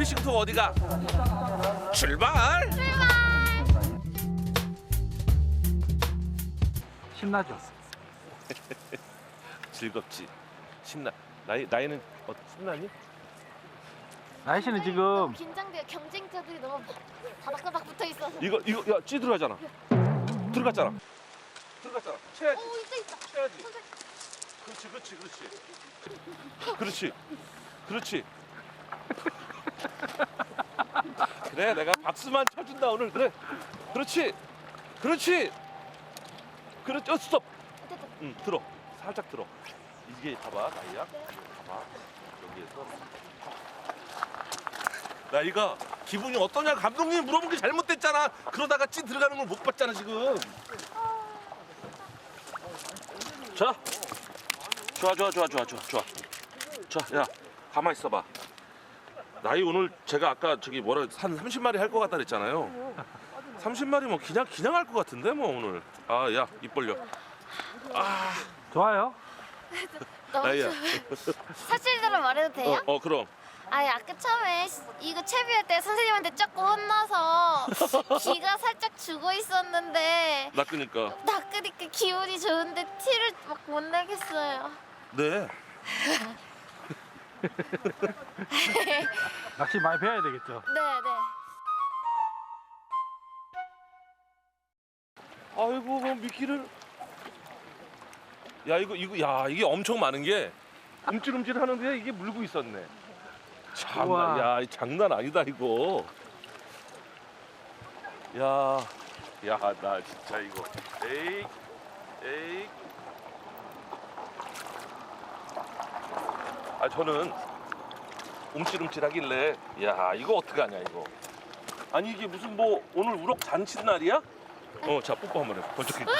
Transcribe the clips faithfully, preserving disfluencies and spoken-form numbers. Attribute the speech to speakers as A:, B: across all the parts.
A: 피싱 투어 어디가? 출발!
B: 신나죠?
A: 즐겁지. 신나. 나이 나이는 어, 신나니?
B: 나이 씨는
C: 너무
B: 지금
C: 긴장돼요. 경쟁자들이 너무 바닥바닥 붙어 있어서.
A: 이거 이거 야, 찌 들어가잖아. 들어갔잖아. 들어갔잖아. 쳐야지.
C: 오 있다 있다.
A: 쳐야지.
C: 선생님.
A: 그렇지, 그렇지, 그렇지. 그렇지. 그렇지. 그래, 내가 박수만 쳐준다 오늘. 그래. 그렇지. 그렇지. 그렇지. 어, 스톱.
C: 됐다.
A: 응, 들어. 살짝 들어. 이게 봐봐, 나이야. 봐봐. 여기에서. 나이가 기분이 어떠냐? 감독님 물어본 게 잘못됐잖아. 그러다가 찐 들어가는 걸 못 봤잖아 지금. 자, 좋아, 좋아, 좋아, 좋아, 좋아, 좋아. 자, 야, 가만 있어봐. 나이 오늘 제가 아까 저기 뭐라 한 삼십 마리 할 것 같다 그랬잖아요. 삼십 마리 뭐 그냥 그냥 할 것 같은데 뭐 오늘. 아, 야, 입 벌려. 아,
B: 좋아요?
C: 너무
A: 나이야.
C: 좋아. 사실대로 말해도 돼요?
A: 어, 어, 그럼.
C: 아니 아까 처음에 시- 이거 채비할 때 선생님한테 조금 혼나서 기가 살짝 죽어 있었는데
A: 나 끄니까.
C: 낚으니까 기분이 좋은데 티를 막 못 내겠어요.
A: 네.
B: 낚시 많이 배워야 되겠죠?
C: 네네.
A: 아이고, 뭐 미끼를. 야, 이거 이거 야, 이게 엄청 많은 게 움찔움찔 하는데 이게 물고 있었네. 참나,
B: 우와.
A: 야, 이 장난 아니다 이거. 야, 야, 나 진짜 이거. 에이, 에이. 아, 저는 움찔움찔하길래, 야, 이거 어떻게 하냐 이거. 아니 이게 무슨 뭐 오늘 우럭 잔치 날이야? 어, 자 뽀뽀 한번 해. 번쩍 입고.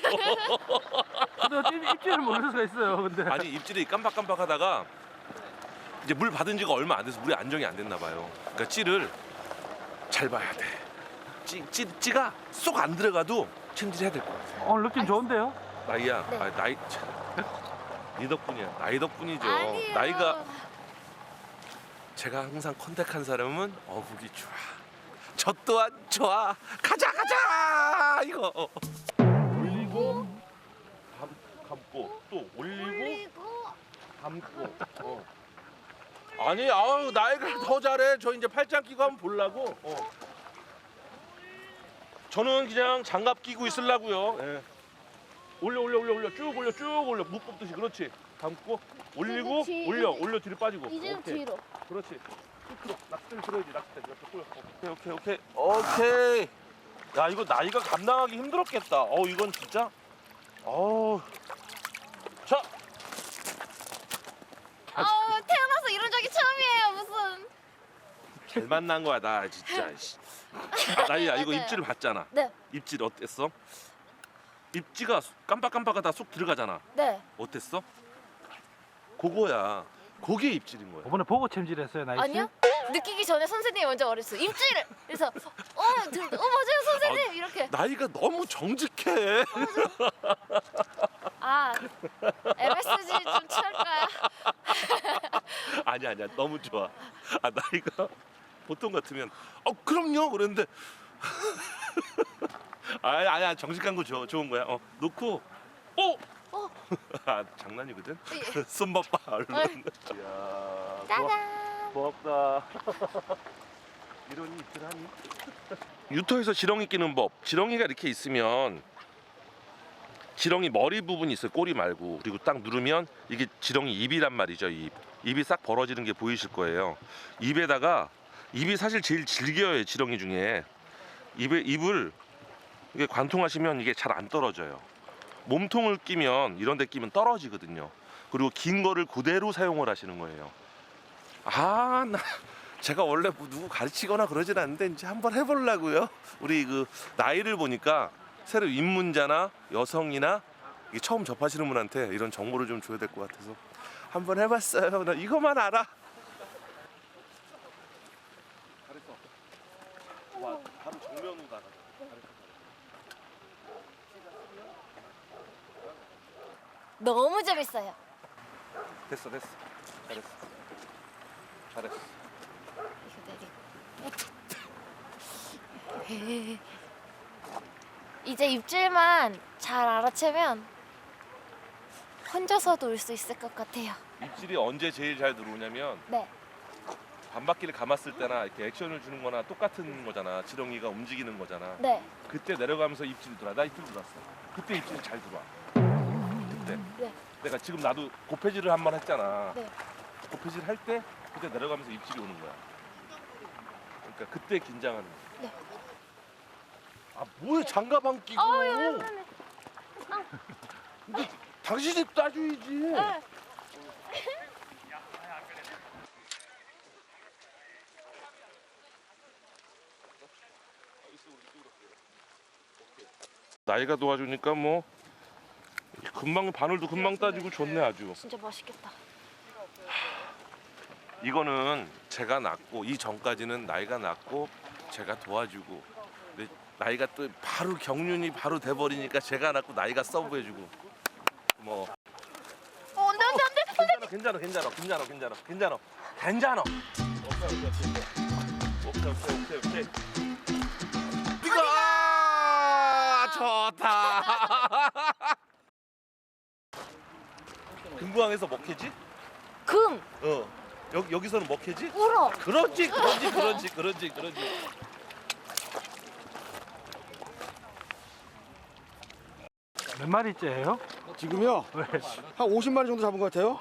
B: 근데 어떻게 입질을 모를 수가 있어요, 근데.
A: 아니 입질이 깜빡깜빡하다가 이제 물 받은 지가 얼마 안 돼서 물이 안정이 안 됐나 봐요. 그러니까 찌를 잘 봐야 돼. 찌, 찌, 찌가 쏙 안 들어가도 챔질해야 될 것 같아.
B: 오늘 느낌 좋은데요?
A: 나이야,
C: 네.
A: 아, 나이 참, 네 덕분이야. 나이 덕분이죠.
C: 아니에요.
A: 나이가 제가 항상 컨택한 사람은 어국이 좋아. 저 또한 좋아. 가자 가자 이거. 어. 올리고 감, 감고 또 올리고
C: 그리고
A: 감고. 어. 아니 아우 나이가 더 잘해. 저 이제 팔짱 끼고 한번 보려고. 어. 저는 그냥 장갑 끼고 있으려고요. 예. 올려 올려 올려 올려 쭉 올려 쭉 올려 묵 뽑듯이. 그렇지. 감고 올리고
C: 뒤-
A: 올려
C: 이제-
A: 올려 뒤로 빠지고.
C: 이제
A: 오케이.
C: 뒤로.
A: 그렇지. 끝으로 낚싯대를 들어야지. 낚싯대 이렇게 꼬여. 오케이 오케이 오케이 오케이. 야 이거 나이가 감당하기 힘들었겠다. 어 이건 진짜. 어. 자.
C: 아우 태어나서 이런 적이 처음이에요 무슨.
A: 잘 만난 거야 나 진짜. 씨. 아, 나이야 이거
C: 맞아요.
A: 입질을 봤잖아.
C: 네.
A: 입질 어땠어? 입지가 깜빡깜빡하다 쏙 들어가잖아.
C: 네.
A: 어땠어? 그거야. 그게 입질인 거야.
B: 이번에 보고 챔질했어요, 나이 씨?
C: 아니요? 느끼기 전에 선생님이 먼저 말했어요. 입질을. 그래서 어, 들, 어 맞아요 선생님 이렇게.
A: 나이가 너무 정직해.
C: 아 엠에스지 좀 취할까요?
A: 아니 아니야 너무 좋아. 아 나이가 보통 같으면 어 그럼요 그랬는데 아니 아니야 정직한 거 좋, 좋은 거야. 어 놓고 어.
C: 어.
A: 아 장난이거든.
C: 예.
A: 손맛 봐 얼른. 이야 고맙,
C: 짜잔.
A: 고맙다. 이런 입질 하니? 유토에서 지렁이 끼는 법. 지렁이가 이렇게 있으면 지렁이 머리 부분이 있어요. 꼬리 말고. 그리고 딱 누르면 이게 지렁이 입이란 말이죠. 입. 입이 싹 벌어지는 게 보이실 거예요. 입에다가 입이 사실 제일 질겨요. 지렁이 중에. 입에 입을 이게 관통하시면 이게 잘 안 떨어져요. 몸통을 끼면 이런 데 끼면 떨어지거든요. 그리고 긴 거를 그대로 사용을 하시는 거예요. 아, 나 제가 원래 뭐 누구 가르치거나 그러진 않는데 이제 한번 해보려고요. 우리 그 나이를 보니까 새로 입문자나 여성이나 이게 처음 접하시는 분한테 이런 정보를 좀 줘야 될 것 같아서 한번 해봤어요. 나 이거만 알아. 잘했어. 와, 바로 정면으로 나가.
C: 너무 재밌어요.
A: 됐어, 됐어. 잘했어. 잘했어.
C: 이거 네. 이제 입질만 잘 알아채면 혼자서도 올 수 있을 것 같아요.
A: 입질이 언제 제일 잘 들어오냐면
C: 네.
A: 반바퀴를 감았을 때나 이렇게 액션을 주는 거나 똑같은 거잖아. 지렁이가 움직이는 거잖아.
C: 네.
A: 그때 내려가면서 입질이 들어와. 나 입질 들어왔어. 그때 입질이 잘 들어와. 그때.
C: 네.
A: 내가 지금 나도 고패질을 한 번 했잖아.
C: 네.
A: 고패질 할 때 그때 내려가면서 입질이 오는 거야. 그러니까 그때 긴장하는 거야.
C: 네.
A: 아 뭐야 장갑 안 끼고.
C: 어우, 미안해.
A: 근데 당신이 따줘야지.
C: 네.
A: 나이가 도와주니까 뭐 금방 바늘도 금방 따지고 좋네 아주.
C: 진짜 맛있겠다.
A: 이거는 제가 낳고 이 전까지는 나이가 낳고 제가 도와주고 근데 나이가 또 바로 경륜이 바로 돼버리니까 제가 낳고 나이가 서브해주고 뭐
C: 어, 안돼 안돼 안돼.
A: 괜찮아 괜찮아 괜찮아 괜찮아 괜찮아 괜찮아 오케이 오케이 오케이 오케이 오케이 이거 좋다. 금구항에서 먹히지?
C: 금
A: 어 여기 여기서는 먹히지?
C: 울어.
A: 그렇지 그렇지 그렇지 그렇지 그렇지.
B: 몇 마리째예요?
D: 지금요?
B: 네.
D: 한 오십 마리 정도 잡은 것 같아요.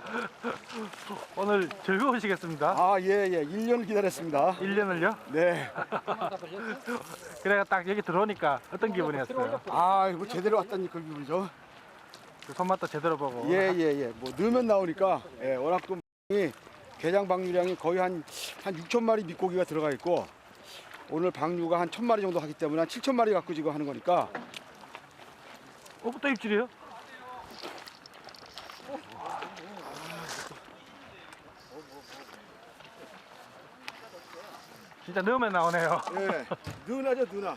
B: 오늘 즐거우시겠습니다.
D: 아, 예, 예. 일 년 기다렸습니다.
B: 일 년을요?
D: 네.
B: 그래가 딱 여기 들어오니까 어떤 기분이었어요?
D: 아, 이거 제대로 왔다니 그 기분이죠.
B: 그 손맛도 제대로 보고.
D: 예, 예, 예. 뭐 넣으면 나오니까 예, 워낙 또 이 개장 방류량이 거의 한, 한 육천 마리 밑고기가 들어가 있고 오늘 방류가 한 천 마리 정도 하기 때문에 한 칠천 마리 갖고 지금 하는 거니까
B: 어, 또 입질이에요? 진짜 넣으면 나오네요.
D: 예, 누나죠, 누나.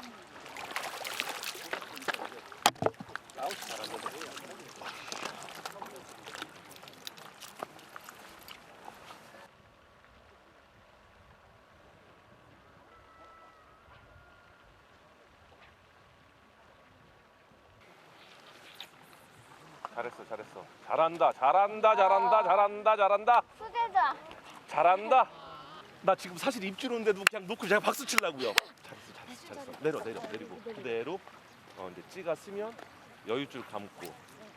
A: 잘했어 잘했어 잘한다 잘한다 잘한다 잘한다 잘한다
C: 수제자.
A: 잘한다. 나 지금 사실 입질 오는데도 그냥 놓고 제가 박수 치려고요. 잘했어 잘했어 잘했어. 내려 내려 내리고 그대로 어 이제 찌가 쓰면 여유줄 감고.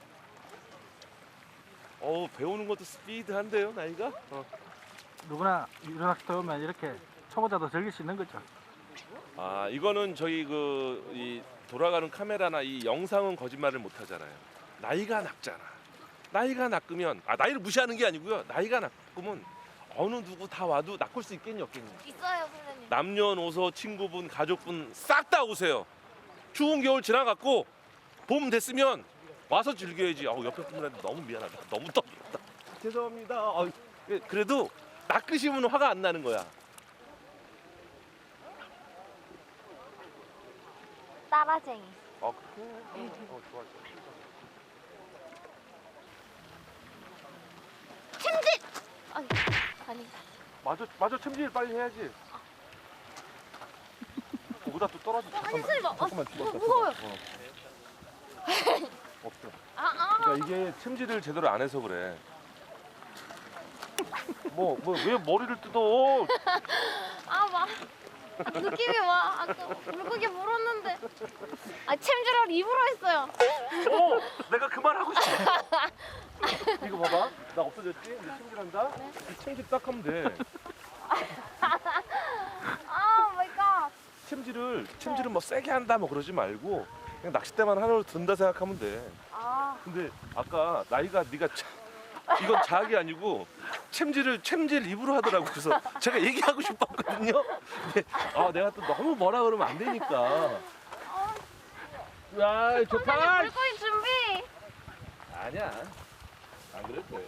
A: 어 배우는 것도 스피드한데요 나이가. 어.
B: 누구나 유로낚시 오면 이렇게 초보자도 즐길 수 있는 거죠.
A: 아 이거는 저희 그 이 돌아가는 카메라나 이 영상은 거짓말을 못 하잖아요. 나이가 낮잖아. 나이가 낮으면 아 나이를 무시하는 게 아니고요. 나이가 낮으면 어느 누구 다 와도 낚을 수 있겠니 없겠니?
C: 있어요 선생님.
A: 남녀노소 친구분 가족분 싹 다 오세요. 추운 겨울 지나갔고 봄 됐으면 와서 즐겨야지. 아우 옆에 분들한테 너무 미안하다. 너무 덥다. 죄송합니다. 아유, 예, 그래도 낚으시면 화가 안 나는 거야.
C: 따라쟁이.
A: 아 그래? 어 좋아 좋아.
C: 챔질. 아니 아니.
A: 맞아 맞아 챔질 빨리 해야지. 그보다 또 떨어져.
C: 아니 선생님 어,
A: 잠깐만
C: 어,
A: 죽었어.
C: 무거워요.
A: 어. 없어.
C: 아 아.
A: 그러니까 이게 챔질을 제대로 안 해서 그래. 뭐 뭐 왜 머리를 뜯어?
C: 아 막. 느낌이 와. 아까 물고기 물었는데. 아 챔질을 입으로 했어요.
A: 어, 내가 그 말 하고 싶어. 이거 봐봐, 나 없어졌지? 이제 챔질한다. 이 챔질 딱 하면 돼.
C: 아 마이 갓.
A: 챔질을 챔질은 뭐 세게 한다 뭐 그러지 말고 그냥 낚싯대만 하나로 든다 생각하면 돼.
C: 아.
A: 근데 아까 나이가 네가 차, 이건 자학이 아니고 챔질을 챔질 입으로 하더라고. 그래서 제가 얘기하고 싶었거든요. 근데 아 내가 또 너무 뭐라 그러면 안 되니까. 야 좋다.
C: 선생님 물고기 준비.
A: 아니야. 안 그럴 거예요.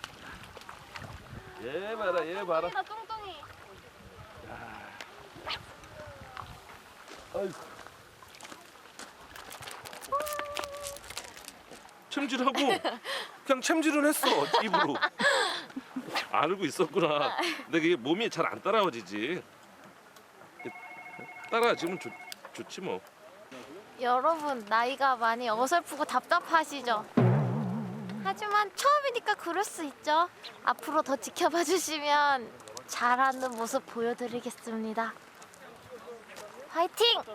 A: 얘 봐라, 얘 봐라.
C: 나 뚱뚱이.
A: 아이고. 챔질하고 그냥 챔질은 했어 입으로. 알고 있었구나. 근데 그게 몸이 잘 안 따라와지지. 따라하시면 좋, 좋지 뭐.
C: 여러분 나이가 많이 어설프고 답답하시죠? 하지만 처음이니까 그럴 수 있죠. 앞으로 더 지켜봐 주시면 잘하는 모습 보여드리겠습니다. 화이팅!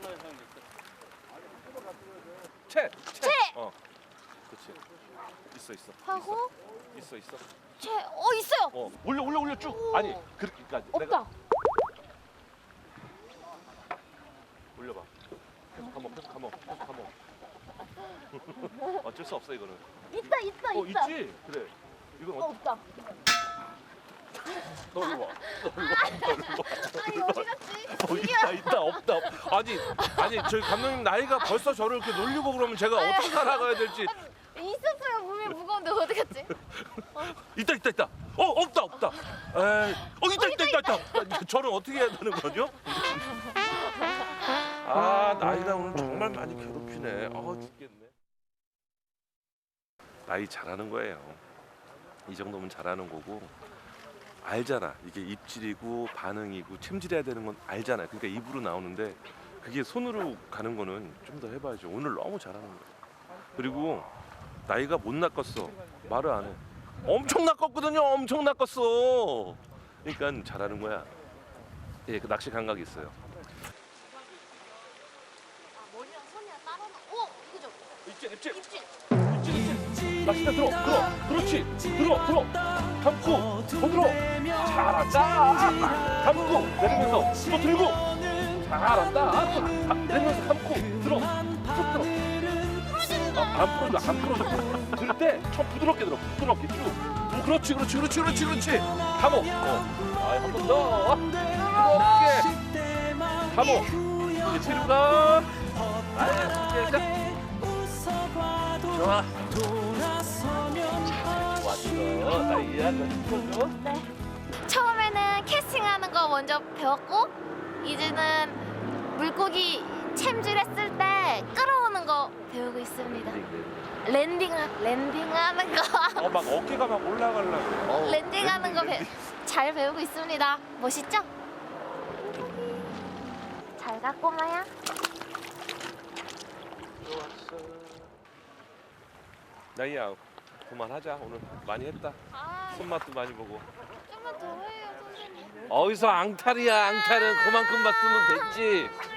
A: 채!
C: 채!
A: 어. 그렇지. 있어 있어.
C: 하고
A: 있어 있어.
C: 채! 어 있어요!
A: 어. 올려 올려 올려 쭉. 아니 그렇게 그러니까 내가
C: 없다!
A: 올려봐. 계속 감어 계속 감어 계속 감어. 어쩔 수 없어 이거는.
C: 있다 있다
A: 어
C: 있다!
A: 있지. 그래. 이건
C: 어,
A: 어,
C: 없다!
A: 너 일로 와. 너 일로 와. 너 일로 와.
C: 아니 어디 갔지?
A: 어, 있다 있다 없다. 아니 아니 저희 감독님 나이가 벌써 저를 이렇게 놀리고 그러면 제가 어떻게 살아가야 될지.
C: 있었어요. 몸이 무거운데 어디 갔지?
A: 있다 있다 있다. 어 없다 없다. 에이, 어 있다 있다 있다 있다. 저는 어떻게 해야 되는 거죠? 아 나이가 오늘 정말 많이 괴롭히네. 아 죽겠네. 나이 잘하는 거예요. 이 정도면 잘하는 거고. 알잖아. 이게 입질이고 반응이고 챔질해야 되는 건 알잖아. 그러니까 입으로 나오는데 그게 손으로 가는 거는 좀 더 해봐야죠. 오늘 너무 잘하는 거야. 그리고 나이가 못 낚았어. 말을 안 해. 엄청 낚았거든요. 엄청 낚았어. 그러니까 잘하는 거야. 예, 그 낚시 감각이 있어요.
C: 아 머리랑 손이랑 따로 오 이거죠?
A: 입질, 입질,
C: 입질!
A: 입질, 입질. 낚시대 들어, 들어, 그렇지, 들어, 들어. 감고, 더 들어. 잘한다. 감고 내리면서 또 들고. 잘한다. 또 내리면서 감고 들어, 쭉 들어. 어, 안 풀어줘, 안 풀어줘. 들 때 좀 부드럽게 들어, 부드럽게 쭉. 어, 그렇지, 그렇지, 그렇지, 그렇지, 그렇지. 감어. 어. 아, 한 번 더. 부드럽게. 감어. 이제 뒤로 가. 아, 자. 좋아. 잘 좋았어. 나이야, 너 풀어줘.
C: 처음에는 캐스팅하는 거 먼저 배웠고 이제는 물고기 챔질했을 때 끌어오는 거 배우고 있습니다. 랜딩 랜딩하는 거
A: 어, 막 어깨가 막 올라가려고. 어,
C: 랜딩하는 거 잘 배우고 있습니다. 멋있죠? 잘 가 꼬마야.
A: 좋았어. 나이야, 그만하자. 오늘 많이 했다.
C: 아
A: 손맛도 많이 보고.
C: 좀만 더 해요 선생님.
A: 어디서 앙탈이야, 앙탈은 그만큼 봤으면 됐지.